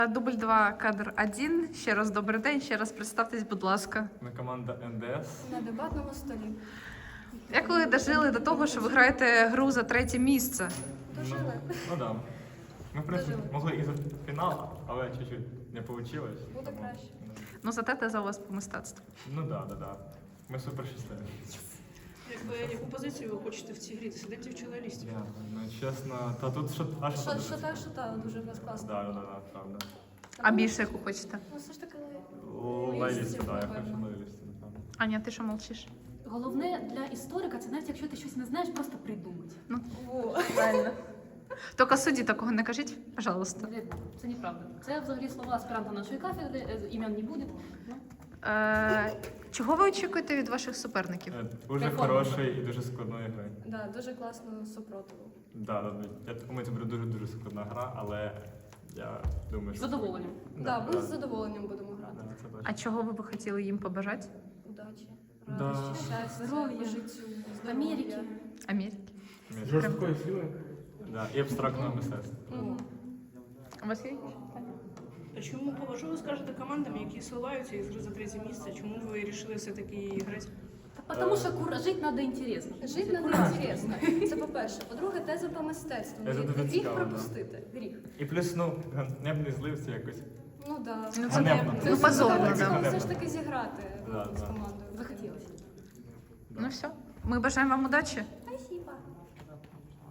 Дубль 2, кадр 1. Ще раз добрий день, ще раз представтесь, будь ласка. Ми команда НДС. На дебатному столі. Як ви дожили до того, що ви граєте гру за 3 місце? Дожили. Ну да. Ми, в принципі, Дожили. могли і за фінал, але чуть-чуть не вийшло. Буде краще. Ну, зате те за вас по мистецтву. Ну да. Ми супер щасливі. Яку позицію ви хочете в цій грі? Сидите в чоловісті? Я, ну чесно, та тут що Що та, дуже в нас класно. Да, правда. А більше яку хочете? Ну, все ж таки, Лейлісті, да, я хочу лейлісті, напевно. Аня, ти що мовчиш? Головне для історика це навіть якщо ти щось не знаєш, просто придумати. Правильно. Тільки судді такого не кажіть, пожалуйста. Це неправда. Це взагалі слова аспіранта нашої кафедри, імен не буде. Ну, Чого ви очікуєте від ваших суперників? Дуже Перформанс. хорошої і дуже складної гри. да, дуже класно супротиву. Да. Я думаю, це буде дуже складна гра, але я думаю, з що... задоволенням. Да, ми з задоволенням будемо грати. Да, це точно. А чого ви б хотіли їм побажати? Удачі, Да. радості, щастя, Здоров'я, життю, Америки. Америки. Жорсткої сили. Да, і абстрактного мистецтва. Мгм. У вас є? А чому що ви скажете командам, які сливаються із гри за 3 місце? Чому ви вирішили все-таки грати? Тому що жити треба інтересно. Жити надо інтересно. Це по-перше. По-друге, теза по мистецтву. Це дуже Гріх цікаво, да. пропустити. Гріх. І плюс, ну, ганебний злився якось. Ну да. Ну, Ганебно. Ну, позорно, Це да. все ж таки зіграти Да, з да. командою. Захотілося. Ну все. Ми бажаємо вам удачі.